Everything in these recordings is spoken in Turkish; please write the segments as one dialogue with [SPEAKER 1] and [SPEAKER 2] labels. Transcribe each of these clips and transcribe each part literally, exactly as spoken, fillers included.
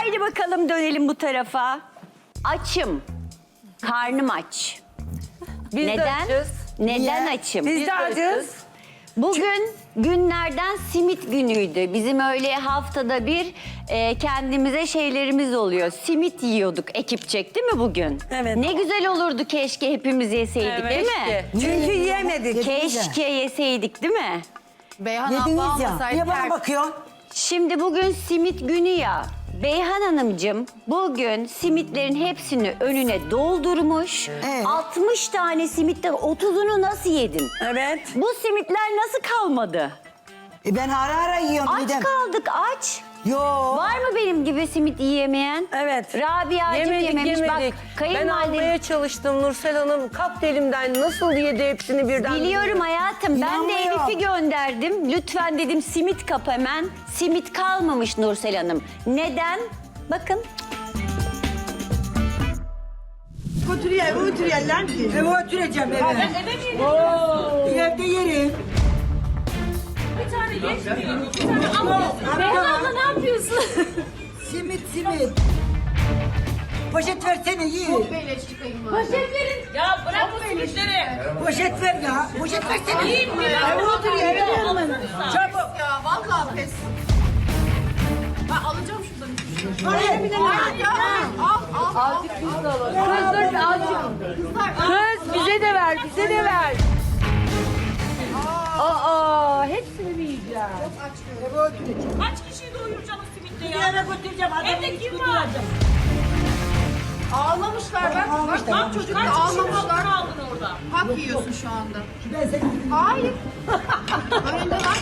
[SPEAKER 1] Haydi bakalım dönelim bu tarafa. Açım. Karnım aç.
[SPEAKER 2] Biz de
[SPEAKER 1] Neden?
[SPEAKER 2] açız.
[SPEAKER 1] Neden
[SPEAKER 3] Niye?
[SPEAKER 1] açım?
[SPEAKER 3] Biz de acız.
[SPEAKER 1] Bugün günlerden simit günüydü. Bizim öyle haftada bir e, kendimize şeylerimiz oluyor. Simit yiyorduk ekipçek değil mi bugün?
[SPEAKER 3] Evet.
[SPEAKER 1] Ne güzel olurdu keşke hepimiz yeseydik
[SPEAKER 2] Evet,
[SPEAKER 1] değil mi?
[SPEAKER 2] keşke.
[SPEAKER 3] Çünkü yiyemedik.
[SPEAKER 1] Keşke yeseydik değil mi?
[SPEAKER 4] Beyhan abla
[SPEAKER 3] Yediniz ya.
[SPEAKER 4] almasaydı
[SPEAKER 3] Niye bana
[SPEAKER 4] her-
[SPEAKER 3] bakıyorsun?
[SPEAKER 1] Şimdi bugün simit günü ya. Beyhan Hanımcığım bugün simitlerin hepsini önüne doldurmuş.
[SPEAKER 3] Evet.
[SPEAKER 1] altmış tane simitten otuzunu nasıl yedin?
[SPEAKER 3] Evet.
[SPEAKER 1] Bu simitler nasıl kalmadı?
[SPEAKER 3] E ben ara ara yiyorum
[SPEAKER 1] Aç
[SPEAKER 3] midem.
[SPEAKER 1] kaldık aç.
[SPEAKER 3] Yo.
[SPEAKER 1] Var mı benim gibi simit yiyemeyen?
[SPEAKER 3] Evet.
[SPEAKER 1] Rabia'cığım
[SPEAKER 2] Yemedik
[SPEAKER 1] yememiş.
[SPEAKER 2] yemedik.
[SPEAKER 1] Bak
[SPEAKER 2] Ben
[SPEAKER 1] kayınvalidem...
[SPEAKER 2] almaya çalıştım Nursel Hanım. Kaptı elimden. Nasıl yedi hepsini birden?
[SPEAKER 1] Biliyorum hayatım. Ben de
[SPEAKER 3] İnanmıyorum.
[SPEAKER 1] Elif'i gönderdim. Lütfen dedim simit kap hemen. Simit kalmamış Nursel Hanım. Neden? Bakın.
[SPEAKER 3] Oturuyor, eve oturuyor lan ki. Eve oturacağım eve. Ben eve mi yerim? Evde yerim.
[SPEAKER 5] Bir tane geçmiyor. Bir tane al. Beyhan abla ne yapıyorsun?
[SPEAKER 3] Simit simit. Poşet versene yiyin.
[SPEAKER 5] Poşet verin. Ya bırak bu simitleri.
[SPEAKER 3] Poşet ver ya. Poşet versene.
[SPEAKER 5] Yiyin mi?
[SPEAKER 3] Eve oturuyor, eve yerim ben. Çabuk.
[SPEAKER 5] Ya vallahi pes. Ben alacağım şuradan.
[SPEAKER 3] Hayır.
[SPEAKER 5] Hayır ya. Al al. Azıcık biz de alalım. Kız dur azıcık.
[SPEAKER 2] Kız bize de ver, bize de ver. Aa, hepsini mi yiyeceğim?
[SPEAKER 3] Eve oturacağım.
[SPEAKER 5] Kaç kişiyi doyuracaksın o simitle
[SPEAKER 3] Bir
[SPEAKER 5] ya?
[SPEAKER 3] eve götüreceğim. Adamın
[SPEAKER 5] Evde kim
[SPEAKER 3] hiçbiri
[SPEAKER 5] var?
[SPEAKER 3] yok.
[SPEAKER 5] Ağlamışlar bak.
[SPEAKER 3] Ağlamışlar.
[SPEAKER 5] Bak çocuk kaç ağlamışlar. Kaldın orada. Hak yiyorsun şu anda.
[SPEAKER 3] Ben seni...
[SPEAKER 5] Hayır. Önünde bak.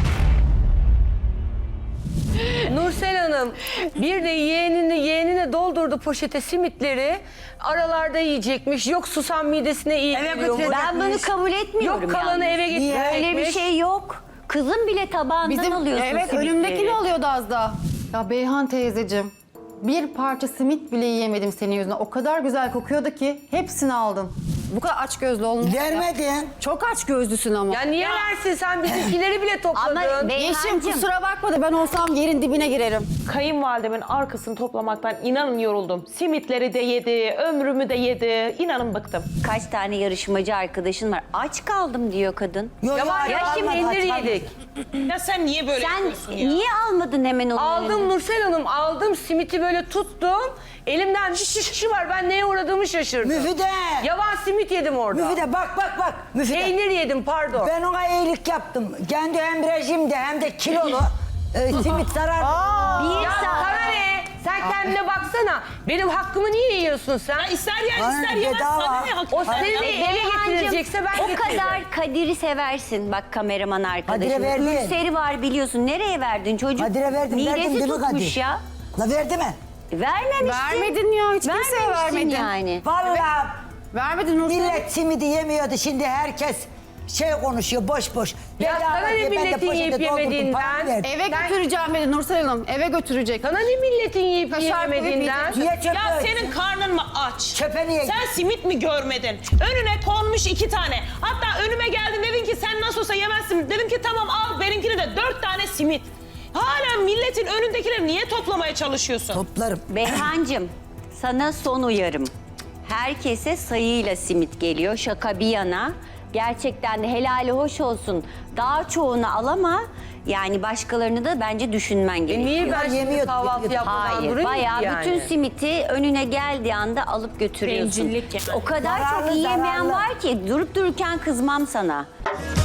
[SPEAKER 2] Nursel Hanım bir de yeğenini yeğenine doldurdu poşete simitleri. Aralarda yiyecekmiş. Yok susam midesine iyi
[SPEAKER 3] Eve
[SPEAKER 2] geliyormuş.
[SPEAKER 3] götürecek.
[SPEAKER 1] Ben bunu kabul etmiyorum.
[SPEAKER 2] Yok kalanı
[SPEAKER 1] yalnız.
[SPEAKER 2] eve gitmeyecekmiş.
[SPEAKER 1] Öyle bir şey yok. Kızım bile tabağından
[SPEAKER 4] Bizim,
[SPEAKER 1] alıyorsun
[SPEAKER 4] evet
[SPEAKER 1] simitleri.
[SPEAKER 4] önümdekini alıyordu az daha. Ya Beyhan teyzeciğim, bir parça simit bile yiyemedim senin yüzünden. O kadar güzel kokuyordu ki hepsini aldım. Bu kadar aç gözlü olmuş.
[SPEAKER 3] Vermedin.
[SPEAKER 4] Çok aç gözlüsün ama.
[SPEAKER 2] Ya niye versin sen bizimkileri bile topladın.
[SPEAKER 1] Ama be-
[SPEAKER 4] Yeşim
[SPEAKER 1] Beyhancığım.
[SPEAKER 4] kusura bakma da ben olsam yerin dibine girerim.
[SPEAKER 6] Kayınvalidemin arkasını toplamaktan inanın yoruldum. Simitleri de yedi, ömrümü de yedi. İnanın bıktım.
[SPEAKER 1] Kaç tane yarışmacı arkadaşın var. Aç kaldım diyor kadın.
[SPEAKER 3] Yo,
[SPEAKER 2] Ya var
[SPEAKER 1] Ya
[SPEAKER 2] ya
[SPEAKER 1] şimdi
[SPEAKER 2] peynir
[SPEAKER 3] aç-
[SPEAKER 2] yedik.
[SPEAKER 5] Ya sen niye böyle
[SPEAKER 1] Sen
[SPEAKER 5] yapıyorsun ya?
[SPEAKER 1] niye almadın hemen onu?
[SPEAKER 2] Aldım Nursel Hanım aldım simiti böyle tuttum. Elimden bir şişi var ben neye uğradığımı şaşırdım.
[SPEAKER 3] Müfide.
[SPEAKER 2] Yavan simit yedim orada.
[SPEAKER 3] Müfide bak bak bak. Müfide.
[SPEAKER 2] Peynir yedim pardon.
[SPEAKER 3] Ben ona iyilik yaptım. Kendi hem rejimde hem de kilolu. e, simit zarar.
[SPEAKER 1] Bir
[SPEAKER 2] Ya
[SPEAKER 1] saat.
[SPEAKER 2] sana ne? Sen kendine baksana. Benim hakkımı niye yiyorsun sen?
[SPEAKER 5] Ya ister yer
[SPEAKER 3] Bana
[SPEAKER 5] ister
[SPEAKER 3] ne
[SPEAKER 5] yemez.
[SPEAKER 3] bedava?
[SPEAKER 5] Sana ne hak?
[SPEAKER 2] O
[SPEAKER 5] Sen
[SPEAKER 2] seni
[SPEAKER 5] ya-
[SPEAKER 2] eve
[SPEAKER 1] Beyhancığım,
[SPEAKER 2] getirecekse ben
[SPEAKER 1] o
[SPEAKER 2] getireceğim.
[SPEAKER 1] kadar Kadir'i seversin. Bak kameraman arkadaşım.
[SPEAKER 3] Kadir'e verdin.
[SPEAKER 1] Ülseri var biliyorsun. Nereye verdin çocuk?
[SPEAKER 3] Kadir'e verdim.
[SPEAKER 1] Midesi
[SPEAKER 3] verdim değil mi
[SPEAKER 1] tutmuş
[SPEAKER 3] Kadir?
[SPEAKER 1] ya.
[SPEAKER 3] La verdi mi?
[SPEAKER 1] Vermemişsin.
[SPEAKER 4] Vermedin ya, hiç kimseye
[SPEAKER 1] Vermemişsin
[SPEAKER 4] vermedin.
[SPEAKER 1] yani.
[SPEAKER 3] Vallahi
[SPEAKER 4] Vermedin Nursel.
[SPEAKER 3] millet simidi yemiyordu. Şimdi herkes şey konuşuyor boş boş.
[SPEAKER 2] Ya
[SPEAKER 3] Bedava
[SPEAKER 2] sana ne
[SPEAKER 3] diye ben de
[SPEAKER 2] milletin
[SPEAKER 3] poşete
[SPEAKER 2] yiyip
[SPEAKER 3] doldurdum,
[SPEAKER 2] yemediğinden?
[SPEAKER 3] paramı verdim.
[SPEAKER 4] Eve götüreceğim dedi Nursel Hanım. Eve götürecek.
[SPEAKER 2] Sana ne milletin yiyip
[SPEAKER 4] Kaşar koyup
[SPEAKER 2] yemediğinden?
[SPEAKER 3] Niye çöpe?
[SPEAKER 5] Ya senin karnın mı aç?
[SPEAKER 3] Çöpe niye?
[SPEAKER 5] Sen simit mi görmedin? Önüne konmuş iki tane. Hatta önüme geldin dedin ki sen nasıl olsa yemezsin. Dedim ki tamam al benimkini de dört tane simit. Hala milletin önündekileri niye toplamaya çalışıyorsun?
[SPEAKER 3] Toplarım.
[SPEAKER 1] Beyhancığım sana son uyarım. Herkese sayıyla simit geliyor. Şaka bir yana. Gerçekten de helali hoş olsun. Daha çoğunu al ama yani başkalarını da bence düşünmen
[SPEAKER 2] E
[SPEAKER 1] gerekiyor.
[SPEAKER 2] niye ben şimdi
[SPEAKER 3] Yemiyordu,
[SPEAKER 2] kahvaltı
[SPEAKER 3] yemiyordu.
[SPEAKER 2] yapmadan
[SPEAKER 1] Hayır,
[SPEAKER 2] durayım
[SPEAKER 1] bayağı
[SPEAKER 2] ki yani?
[SPEAKER 1] bütün simiti önüne geldiği anda alıp götürüyorsun.
[SPEAKER 5] Bencillik yani.
[SPEAKER 1] O kadar
[SPEAKER 3] Zararlı,
[SPEAKER 1] çok yiyemeyen
[SPEAKER 3] zararlı.
[SPEAKER 1] var ki durup dururken kızmam sana.